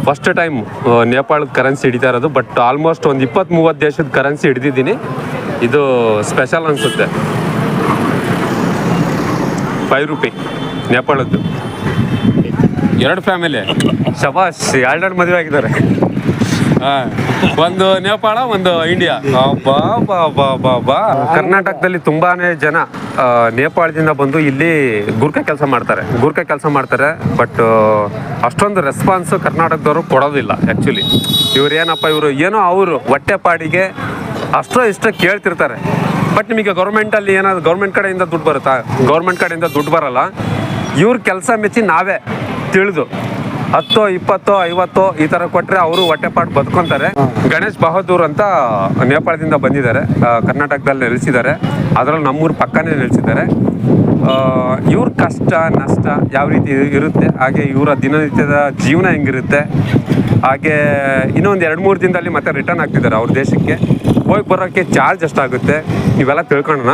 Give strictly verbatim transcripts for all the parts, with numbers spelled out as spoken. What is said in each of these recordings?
First time ನೇಪಾಳದ currency ಹಿಡಿತಾ ಇರೋದು. ಬಟ್ ಆಲ್ಮೋಸ್ಟ್ ಒಂದು ಇಪ್ಪತ್ತ್ ಮೂವತ್ತು ದೇಶದ ಕರೆನ್ಸಿ ಹಿಡಿದಿದ್ದೀನಿ. ಇದು ಸ್ಪೆಷಲ್ ಅನಿಸುತ್ತೆ. ಫೈವ್ ರುಪಿ ನೇಪಾಳದ್ದು. ಎರಡು ಫ್ಯಾಮಿಲಿ ಶಬಾಷ್, ಎರಡೆರಡು ಮದುವೆ ಆಗಿದ್ದಾರೆ. ಹಾಂ, ಒಂದು ನೇಪಾಳ, ಒಂದು ಇಂಡಿಯಾ. ಬಾ ಬಾ ಬಾ ಬಾ ಬಾ ಕರ್ನಾಟಕದಲ್ಲಿ ತುಂಬಾನೇ ಜನ ನೇಪಾಳದಿಂದ ಬಂದು ಇಲ್ಲಿ ಗುರ್ಕ ಕೆಲಸ ಮಾಡ್ತಾರೆ ಗುರ್ಕ ಕೆಲಸ ಮಾಡ್ತಾರೆ ಬಟ್ ಅಷ್ಟೊಂದು ರೆಸ್ಪಾನ್ಸು ಕರ್ನಾಟಕದವರು ಕೊಡೋದಿಲ್ಲ. ಆ್ಯಕ್ಚುಲಿ ಇವ್ರು ಏನಪ್ಪ ಇವರು ಏನೋ ಅವರು ಹೊಟ್ಟೆ ಪಾಡಿಗೆ ಅಷ್ಟೋ ಇಷ್ಟ ಕೇಳ್ತಿರ್ತಾರೆ. ಬಟ್ ನಿಮಗೆ ಗೌರ್ಮೆಂಟಲ್ಲಿ ಏನಾದ್ರು ಗೌರ್ಮೆಂಟ್ ಕಡೆಯಿಂದ ದುಡ್ಡು ಬರುತ್ತಾ? ಗೌರ್ಮೆಂಟ್ ಕಡೆಯಿಂದ ದುಡ್ಡು ಬರಲ್ಲ. ಇವ್ರ ಕೆಲಸ ಮೆಚ್ಚಿ ನಾವೇ ತಿಳಿದು ಹತ್ತೋ ಇಪ್ಪತ್ತೋ ಐವತ್ತೋ ಈ ಥರ ಕೊಟ್ಟರೆ ಅವರು ಹೊಟ್ಟೆಪಾಡು ಬದುಕೊಂತಾರೆ. ಗಣೇಶ್ ಬಹದ್ದೂರ್ ಅಂತ ನೇಪಾಳದಿಂದ ಬಂದಿದ್ದಾರೆ, ಕರ್ನಾಟಕದಲ್ಲಿ ನೆಲೆಸಿದ್ದಾರೆ. ಅದರಲ್ಲಿ ನಮ್ಮೂರು ಪಕ್ಕನೇ ನೆಲೆಸಿದ್ದಾರೆ. ಇವ್ರ ಕಷ್ಟ ನಷ್ಟ ಯಾವ ರೀತಿ ಇರುತ್ತೆ, ಹಾಗೆ ಇವರ ದಿನನಿತ್ಯದ ಜೀವನ ಹೆಂಗಿರುತ್ತೆ, ಹಾಗೆ ಇನ್ನೊಂದು ಎರಡು ಮೂರು ದಿನದಲ್ಲಿ ಮತ್ತೆ ರಿಟರ್ನ್ ಆಗ್ತಿದ್ದಾರೆ ಅವ್ರ ದೇಶಕ್ಕೆ. ಹೋಗಿ ಬರೋಕ್ಕೆ ಚಾರ್ಜ್ ಎಷ್ಟಾಗುತ್ತೆ ಇವೆಲ್ಲ ತಿಳ್ಕೊಳ್ಳೋಣ.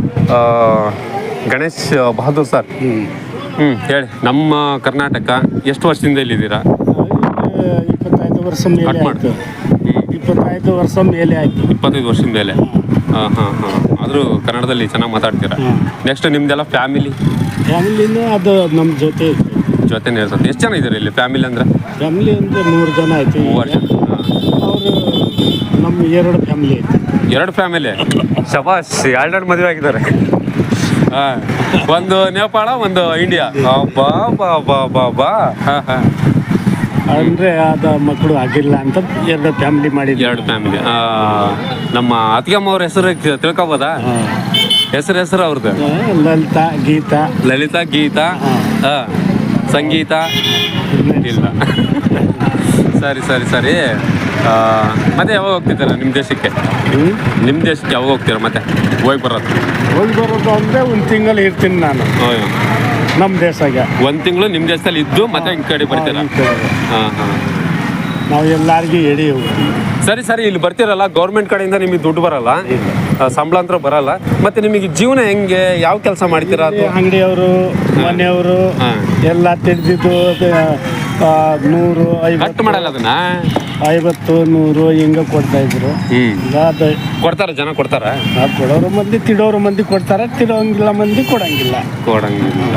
ಗಣೇಶ್ ಬಹದ್ದೂರ್ ಸರ್, ಹ್ಞೂ ಹೇಳಿ, ನಮ್ಮ ಕರ್ನಾಟಕ ಎಷ್ಟು ವರ್ಷದಿಂದ ಇಲ್ಲಿದ್ದೀರಾ? ಇಪ್ಪತ್ತೈದು ವರ್ಷ ಮೇಲೆ ಆಯಿತು. ಇಪ್ಪತ್ತೈದು ವರ್ಷ ಮೇಲೆ ಆಯಿತು. ಇಪ್ಪತ್ತೈದು ವರ್ಷದ ಮೇಲೆ. ಹಾಂ ಹಾಂ ಹಾಂ ಆದರೂ ಕನ್ನಡದಲ್ಲಿ ಚೆನ್ನಾಗಿ ಮಾತಾಡ್ತೀರಾ. Next ನಿಮ್ಮದೆಲ್ಲ family? ಫ್ಯಾಮಿಲಿನೂ ಅದು ನಮ್ಮ ಜೊತೆ ಜೊತೆನೇ ಇರ್ತದೆ. ಎಷ್ಟು ಜನ ಇದ್ದಾರೆ ಇಲ್ಲಿ ಫ್ಯಾಮಿಲಿ ಅಂದರೆ? ಫ್ಯಾಮಿಲಿ ಅಂದರೆ ಮೂರು ಜನ ಆಯಿತು. ಮೂವರು ಜನ. ಅವರು ನಮ್ಮ ಎರಡು ಫ್ಯಾಮಿಲಿ ಐತೆ. ಎರಡು ಫ್ಯಾಮಿಲಿ ಶಬಾಷ್, ಎರಡೆರಡು ಮದುವೆ ಆಗಿದ್ದಾರೆ. ಹಾಂ, ಒಂದು ನೇಪಾಳ, ಒಂದು ಇಂಡಿಯಾ. ಬಾ ಬಾ ಬಾ ಬಾ ಬಾ ಹಾಂ ಹಾಂ ಅಂದರೆ ಅದು ಮಕ್ಕಳು ಆಗಿಲ್ಲ ಅಂತ ಎರಡು ಫ್ಯಾಮಿಲಿ ಮಾಡಿದ್ವಿ. ಎರಡು ಫ್ಯಾಮಿಲಿ. ನಮ್ಮ ಅತ್ತಿಗೆಮ್ಮ ಅವ್ರ ಹೆಸರು ತಿಳ್ಕೊಬೋದಾ? ಹೆಸರು ಹೆಸರು ಅವ್ರದ್ದು? ಲಲಿತಾ, ಗೀತಾ. ಲಲಿತಾ, ಗೀತಾ, ಹಾಂ, ಸಂಗೀತ ಇಲ್ಲ. ಸರಿ ಸರಿ ಸರಿ ಮತ್ತೆ ಯಾವಾಗ ಹೋಗ್ತಿದ್ದಾರೆ ನಿಮ್ಮ ದೇಶಕ್ಕೆ? ನಿಮ್ಮ ದೇಶಕ್ಕೆ ಯಾವಾಗ ಹೋಗ್ತೀರಾ ಮತ್ತೆ ಹೋಗಿ ಬರೋದು? ಹೋಗಿ ಬರೋದು ಅಂದರೆ ಒಂದು ತಿಂಗಳು ಇರ್ತೀನಿ ನಾನು ನಮ್ಮ ದೇಶಕ್ಕೆ. ಒಂದು ತಿಂಗಳು ನಿಮ್ಮ ದೇಶದಲ್ಲಿ ಇದ್ದು ಮತ್ತೆ ಈ ಕಡೆ ಬರ್ತೀರಾ? ಹಾಂ ಹಾಂ ನಾವು ಎಲ್ಲರಿಗೂ ಹೇಳಿ ಹೋಗ್ತೀವಿ. ಸರಿ ಸರಿ ಇಲ್ಲಿ ಬರ್ತಿರಲ್ಲ, ಗೌರ್ಮೆಂಟ್ ಕಡೆಯಿಂದ ನಿಮಗೆ ದುಡ್ಡು ಬರಲ್ಲ, ಸಂಬಳ ಅಂತ ಬರಲ್ಲ. ಮತ್ತೆ ನಿಮಗೆ ಜೀವನ ಹೆಂಗೆ, ಯಾವ ಕೆಲಸ ಮಾಡ್ತೀರಾ? ಅದು ಅಂಗಡಿಯವರು, ಮನೆಯವರು ಎಲ್ಲ ತಿಳಿದಿದ್ದು ನೂರು ಐವತ್ತು ಮಾಡಲ್ಲ, ಅದನ್ನ ಐವತ್ತು ನೂರು ಹಿಂಗೆ ಕೊಡ್ತಾ ಇದ್ರು. ಅದು ಕೊಡ್ತಾರ, ಜನ ಕೊಡ್ತಾರ. ಕೊಡೋರು ಮಂದಿ ತಿಡೋರು ಮಂದಿ ಕೊಡ್ತಾರೆ, ತಿಡೋಂಗಿಲ್ಲ ಮಂದಿ ಕೊಡಂಗಿಲ್ಲ ಕೊಡಂಗಿಲ್ಲ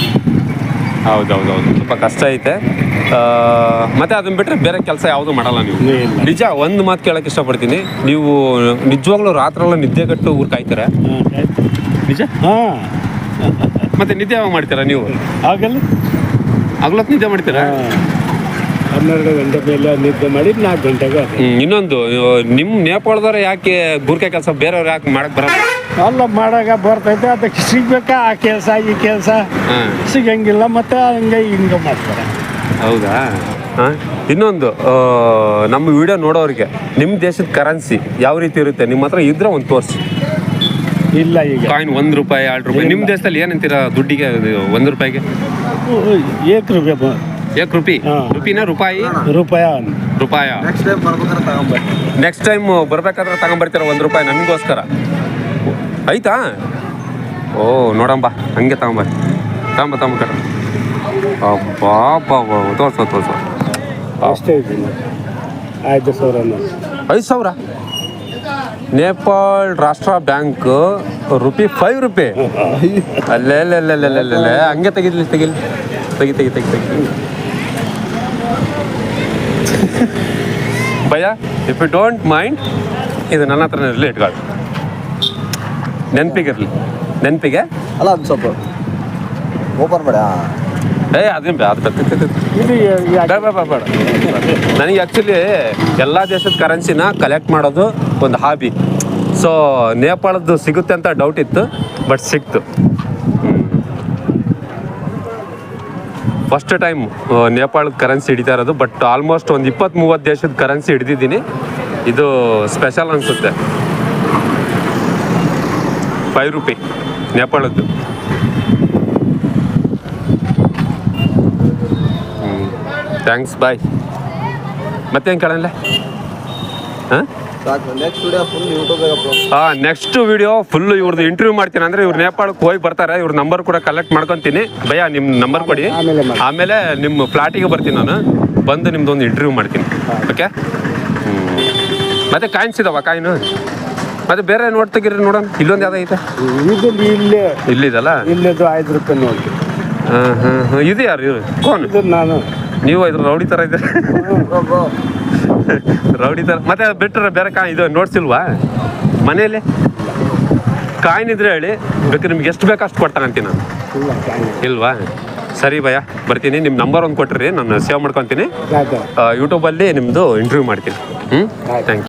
ಹೌದೌದೌದು, ಸ್ವಲ್ಪ ಕಷ್ಟ ಐತೆ. ಮತ್ತೆ ಅದನ್ನ ಬಿಟ್ಟರೆ ಬೇರೆ ಕೆಲಸ ಯಾವುದು ಮಾಡಲ್ಲ ನೀವು? ನಿಜ ಒಂದು ಮಾತು ಕೇಳಕ್ಕೆ ಇಷ್ಟಪಡ್ತೀನಿ, ನೀವು ನಿಜವಾಗ್ಲೂ ರಾತ್ರೆಲ್ಲ ನಿದ್ದೆಗಟ್ಟು ಊರು ಕಾಯ್ತೀರ? ನಿಜ? ಹಾಂ. ಮತ್ತೆ ನಿದ್ದೆ ಯಾವಾಗ ಮಾಡ್ತೀರಾ ನೀವು? ಆಗಲ್ಲ, ಆಗ್ಲತ್ತು ನಿದ್ದೆ ಮಾಡ್ತೀರಾ? ಹನ್ನೆರಡು ಗಂಟೆ ಮೇಲೆ ನಿದ್ದೆ ಮಾಡಿ ನಾಲ್ಕು ಗಂಟೆಗೆ. ಇನ್ನೊಂದು, ನಿಮ್ಮ ನೇಪಾಳದವ್ರು ಯಾಕೆ ಗುರ್ಕೆ ಕೆಲಸ ಬೇರೆಯವ್ರು ಯಾಕೆ ಮಾಡಕ್ ಬರಲ್ಲ? ಅಲ್ಲ, ಮಾಡಾಗ ಬರ್ತೈತೆ, ಅದಕ್ಕೆ ಸಿಗ್ಬೇಕಾ ಆ ಕೆಲಸ ಈ ಕೆಲಸ ಸಿಗಂಗಿಲ್ಲ, ಮತ್ತೆ ಹಂಗೆ ಹಿಂಗೆ ಮಾಡ್ತಾರೆ. ಹೌದಾ? ಹಾಂ. ಇನ್ನೊಂದು, ನಮ್ಮ ವಿಡಿಯೋ ನೋಡೋರಿಗೆ ನಿಮ್ಮ ದೇಶದ ಕರೆನ್ಸಿ ಯಾವ ರೀತಿ ಇರುತ್ತೆ ನಿಮ್ಮ ಹತ್ರ ಇದ್ರೆ ಒಂದು ತೋರಿಸಿ. ಇಲ್ಲ, ಈಗ ಕಾಯಿನ್ ಒಂದು ರೂಪಾಯಿ ಎರಡು ರೂಪಾಯಿ ನಿಮ್ಮ ದೇಶದಲ್ಲಿ ಏನಂತೀರಾ ದುಡ್ಡಿಗೆ? ಒಂದು ರೂಪಾಯಿಗೆ ಏಕ್ ರೂಪಾಯಿ. ಏಕ್ ರೂಪಿ? ರೂಪಿನ ರೂಪಾಯಿ? ರೂಪಾಯ ರೂಪಾಯ. ನೆಕ್ಸ್ಟ್ ಟೈಮ್ ಬರ್ಬೇಕಾದ್ರೆ ತಗೊಂಬರ್ತೀರ ಒಂದು ರೂಪಾಯಿ ನಮಗೋಸ್ಕರ, ಆಯ್ತಾ? ಓ ನೋಡಂಬ, ಹಂಗೆ ತಗೊಂಬರ್ರಿ, ತಗೊಂಬ ತಗೊಂಬ ಕಟ್ಟ. ಅಬ್ಬಾ ಬಾ ಬಾ ತೋರ್ಸೋ ತೋರ್ಸೋ. ಅಷ್ಟೇ ಇದ್ದೀನಿ. ಐದು ಸಾವಿರ. ಐದು ಸಾವಿರ? ನೇಪಾಳ ರಾಷ್ಟ್ರ ಬ್ಯಾಂಕ್ ರುಪಿ ಫೈವ್ ರುಪಿ? ಅಲ್ಲೇ ಅಲ್ಲೇ ಹಂಗೆ ತೆಗಿಲಿ ತೆಗಿಲಿ ತೆಗಿ ತೆಗಿ ತೆಗಿ ತೆಗಿ ಭಯ, ಇಫ್ ಯು ಡೋಂಟ್ ಮೈಂಡ್, ಇದು ನನ್ನ ಹತ್ರನೇ ಇರಲಿ, ಇಟ್ಕೊಳ್ಳಿ, ನೆನಪಿಗಿರಲಿ. ನೆನಪಿಗೆ ಅಲ್ಲ, ಅದು ಸ್ವಲ್ಪ ಓಪನ್ ಬೇಡ. ಏ ಅದೇನು ಅದು ಬೇಡ ಬೇಡ. ನನಗೆ ಆ್ಯಕ್ಚುಲಿ ಎಲ್ಲ ದೇಶದ ಕರೆನ್ಸಿನ ಕಲೆಕ್ಟ್ ಮಾಡೋದು ಒಂದು ಹಾಬಿ. ಸೊ ನೇಪಾಳದ್ದು ಸಿಗುತ್ತೆ ಅಂತ ಡೌಟ್ ಇತ್ತು, ಬಟ್ ಸಿಕ್ತು. ಫಸ್ಟ್ ಟೈಮ್ ನೇಪಾಳದ ಕರೆನ್ಸಿ ಹಿಡಿತಾ ಇರೋದು. ಬಟ್ ಆಲ್ಮೋಸ್ಟ್ ಒಂದು ಇಪ್ಪತ್ತ್ ಮೂವತ್ತು ದೇಶದ ಕರೆನ್ಸಿ ಹಿಡಿದಿದ್ದೀನಿ. ಇದು ಸ್ಪೆಷಲ್ ಅನಿಸುತ್ತೆ. ಫೈವ್ ರುಪಿ ನೇಪಾಳದ್ದು. Thanks, bye. ಮತ್ತೇನು ಕೇಳಲ್ಲ? ಹಾಂ, ನೆಕ್ಸ್ಟ್ ವಿಡಿಯೋ ಫುಲ್ ಯೂಟ್ಯೂಬ್. ಹಾಂ, ನೆಕ್ಸ್ಟ್ ವಿಡಿಯೋ ಫುಲ್ಲು ಇವ್ರದ್ದು ಇಂಟರ್ವ್ಯೂ ಮಾಡ್ತೀನಿ. ಅಂದರೆ ಇವ್ರು ನೇಪಾಳಕ್ಕೆ ಹೋಗಿ ಬರ್ತಾರೆ, ಇವ್ರ ನಂಬರ್ ಕೂಡ ಕಲೆಕ್ಟ್ ಮಾಡ್ಕೊತೀನಿ. ಭಯ್ಯ ನಿಮ್ಮ ನಂಬರ್ ಕೊಡಿ, ಆಮೇಲೆ ನಿಮ್ಮ ಫ್ಲಾಟಿಗೆ ಬರ್ತೀನಿ ನಾನು. ಬಂದು ನಿಮ್ದು ಒಂದು ಇಂಟರ್ವ್ಯೂ ಮಾಡ್ತೀನಿ ಓಕೆ ಹ್ಞೂ ಮತ್ತೆ ಕಾಯಿನ್ಸ್ ಇದಾವ ಕಾಯಿನು ಮತ್ತೆ ಬೇರೆ ನೋಟ್ ತೆಗೀರಿ ನೋಡೋಣ ಇಲ್ಲೊಂದು ಯಾವ್ದು ಐತೆ ಇದು ಇಲ್ಲೇ ಇಲ್ಲಿದಲ್ಲ ಇಲ್ಲದು ಐದು ರೂಪಾಯಿ ನೋಡಿ ಹಾಂ ಹಾಂ ಹಾಂ ಇದು ಯಾರು ಇವರು ಕೋನ್ ಇದು ನಾನು ನೀವು ಇದ್ರ ರೌಡಿ ಥರ ಇದೆ ಬ್ರೋ ಬ್ರೋ ರೌಡಿ ಥರ ಮತ್ತೆ ಅದು ಬಿಟ್ಟರೆ ಬೇರೆ ಕಾಯಿ ಇದು ನೋಟ್ಸ್ ಇಲ್ವಾ ಮನೆಯಲ್ಲಿ ಕಾಯಿನ್ ಇದ್ರೆ ಹೇಳಿ ಬೇಕಾದ್ರೆ ನಿಮ್ಗೆ ಎಷ್ಟು ಬೇಕು ಅಷ್ಟು ಕೊಡ್ತಾನಂತೀನಿ ನಾನು ಇಲ್ಲ ಕಾಯಿ ಇಲ್ವಾ ಸರಿ ಭಯ ಬರ್ತೀನಿ ನಿಮ್ಮ ನಂಬರ್ ಒಂದು ಕೊಟ್ಟಿರಿ ನಾನು ಸೇವ್ ಮಾಡ್ಕೊತೀನಿ ಆಯ್ತು ಯೂಟ್ಯೂಬಲ್ಲಿ ನಿಮ್ಮದು ಇಂಟರ್ವ್ಯೂ ಮಾಡ್ತೀನಿ ಹ್ಞೂ ಥ್ಯಾಂಕ್ ಯು